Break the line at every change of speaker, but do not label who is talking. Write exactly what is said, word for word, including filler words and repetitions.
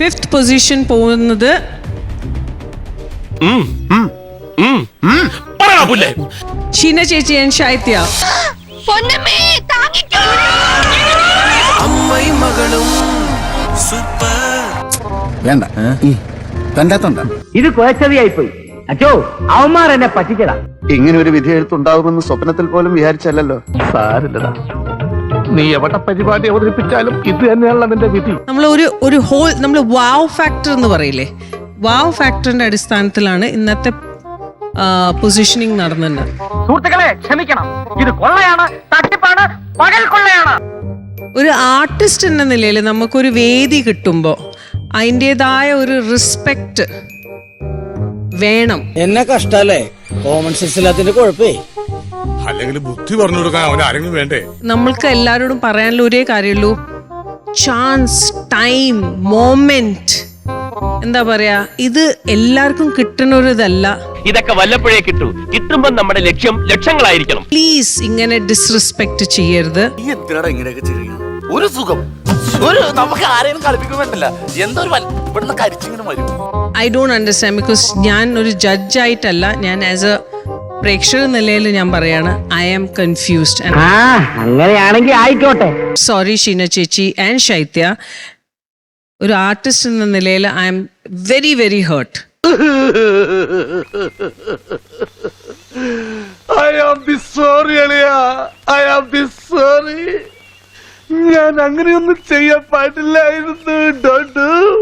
Fifth position പോകുന്നത് ഷീന ചേച്ചി and ശൈത്യ.
വേണ്ട കണ്ടാത്തോണ്ട
ഇത് കുഴച്ചതിയായിപ്പോയി. അച്ചോ അവന്മാർ എന്നെ പറ്റിച്ചടാ.
ഇങ്ങനെ ഒരു വിധി എഴുത്തുണ്ടാവുമെന്ന് സ്വപ്നത്തിൽ പോലും വിചാരിച്ചല്ലോ.
സാരില്ലടാ, നീ എവിടെ പരിപാടി അവതരിപ്പിച്ചാലും ഇത് തന്നെയാണല്ലോ നിന്റെ വിധി.
നമ്മൾ ഒരു ഒരു ഹോൾ നമ്മൾ വാവ് ഫാക്ടർ എന്ന് പറയില്ലേ, വാവ് ഫാക്ടറിന്റെ അടിസ്ഥാനത്തിലാണ് ഇന്നത്തെ പൊസിഷനിങ് നടന്നത്.
സുഹൃത്തുക്കളെ ക്ഷമിക്കണം, ഇത് കൊള്ളയാണ്, തട്ടിപ്പാണ്, പകൽ കൊള്ളയാണ്.
ഒരു ആർട്ടിസ്റ്റ് എന്ന നിലയിൽ നമുക്കൊരു വേദി കിട്ടുമ്പോൾ അതിൻ്റെതായ ഒരു റെസ്പെക്റ്റ് വേണം.
എന്നെ കഷ്ടല്ലേ, കോമൺ സെൻസ് ഇല്ലാത്തതിന്റെ കുഴപ്പേ.
അല്ലെങ്കിൽ ബുദ്ധി പറഞ്ഞു കൊടുക്കാൻ അവൻ ആരെങ്കിലും വേണ്ടേ?
നമ്മൾക്ക് എല്ലാവരോടും പറയാനുള്ള ഒരേ കാര്യമുള്ളൂ, ചാൻസ്, ടൈം, മോമെന്റ്, എന്താ പറയാ, ഇത് എല്ലാവർക്കും കിട്ടുന്ന ഒരു ഇതല്ല.
ഇതൊക്കെ വല്ലപ്പോഴേ കിട്ടൂ. കിട്ടുമ്പോ നമ്മുടെ ലക്ഷ്യം ലക്ഷങ്ങളായിരിക്കണം.
പ്ലീസ് ഇങ്ങനെ ഡിസ്റെസ്പെക്ട് ചെയ്യരുത്.
ഒരു സുഖം ഒരു നമുക്ക് ആരെയും കളിപ്പിക്കുന്നില്ല. എന്തോ ഇവിടുന്ന് കരിച്ചിങ്ങനെ വരും.
ഐ ഡോണ്ട് അണ്ടർസ്റ്റാൻഡ്, ബിക്കോസ് ഞാൻ ഒരു ജഡ്ജായിട്ടല്ല, ഞാൻ ആസ് എ പ്രേക്ഷക നിലയിൽ ഞാൻ പറയാണ്, ഐ ആം കൺഫ്യൂസ്ഡ്.
അങ്ങനെയാണെങ്കിൽ ആയിക്കോട്ടെ.
സോറി ഷീന ചേച്ചി ആൻഡ് ശൈത്യ, ഒരു ആർട്ടിസ്റ്റ് എന്ന നിലയിൽ I am very very hurt.
I am be sorry അളിയ, I am be sorry. ഞാൻ അങ്ങനെയൊന്നും ചെയ്യാൻ പാടില്ലായിരുന്നു.